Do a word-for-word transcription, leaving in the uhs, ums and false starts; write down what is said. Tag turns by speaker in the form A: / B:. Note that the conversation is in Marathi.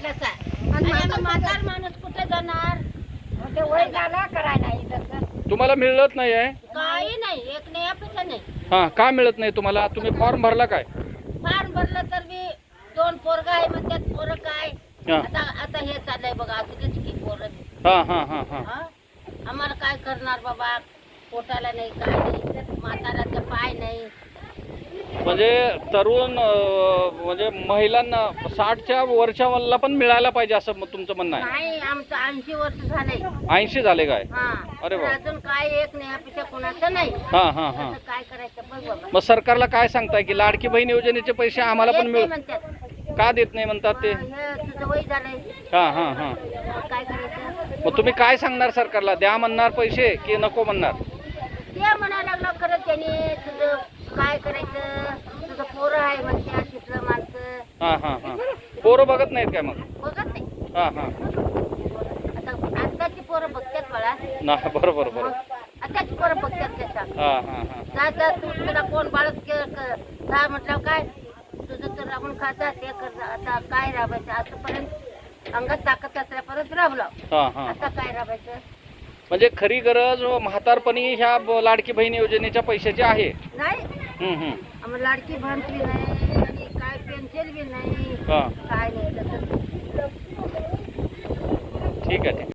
A: म्हटलंच आहे. आणि आता म्हातार माणूस कुठे जाणार? ते वय झाला करायला इथं
B: तुम्हाला मिळत नाही आहे?
A: काही नाही, एक नाही अपेक्षा नाही.
B: हा, का मिळत नाही तुम्हाला? तुम्ही फॉर्म भरला काय?
A: फार भरलं तर मी दोन पोरग आहे म्हणतात. पोरं काय
B: हा.
A: आता आता हे चाललंय बघा, असं की पोरं.
B: हा हा हा हा
A: हा? आम्हाला काय करणार बाबा? पोटाला नाही, काय नाही, म्हाताराचे पाय नाही.
B: म्हणजे तरुण अं, म्हणजे महिलांना साठच्या वरच्याला पण मिळायला पाहिजे असं मग तुमचं म्हणणं आहे?
A: नाही, आमचं ऐंशी वर्ष झालंय.
B: ऐंशी झाले काय?
A: हा.
B: अरे वा.
A: अजून काय एक नाही अपेक्षा कोणाचं नाही.
B: हा हा हा.
A: आता काय करायचं बघ बाबा.
B: मग सरकारला काय सांगताय की लाडकी बहीण योजनेचे पैसे आम्हाला पण
A: येत नाही
B: मिळ
A: म्हणतात.
B: का देत नाही म्हणतात ते?
A: हे तुझं वय झालंय,
B: हा हा हा.
A: मग काय करायचं?
B: मग तुम्ही काय सांगणार सरकारला? द्या म्हणणार पैसे की नको म्हणणार?
A: ते म्हणायला लागलं खरं त्याने, तुझं काय करायचं, तुझं पोरं आहे म्हणते तिथलं माणसं.
B: हा हा हा. पोरं बघत नाहीत काय मग?
A: बघत नाही.
B: हा हा.
A: आता आताची पोरं बघतात बाळा.
B: ना बरोबर बरोबर.
A: आताची पोरं बघतात त्याचा.
B: हा हा हा.
A: जा जा, तू तुला कोण बाळच जा म्हटलं काय तुझं तर राबून खाता ते कर. आता काय राबायचं? आतापर्यंत अंगात ताकद असल्यापर्यंत राबलो.
B: हा हा.
A: आता काय राबायचं?
B: म्हणजे खरी गरज म्हातारपणी ह्या ब- लाडकी बहीण योजनेच्या पैशाची आहे.
A: नाही,
B: हम्म हम्म.
A: आम्हाला लाडकी बहीण बी नाही आणि काय पेन्शन बी नाही,
B: हा.
A: काय नाही तसं.
B: ठीक आहे ठीक आहे.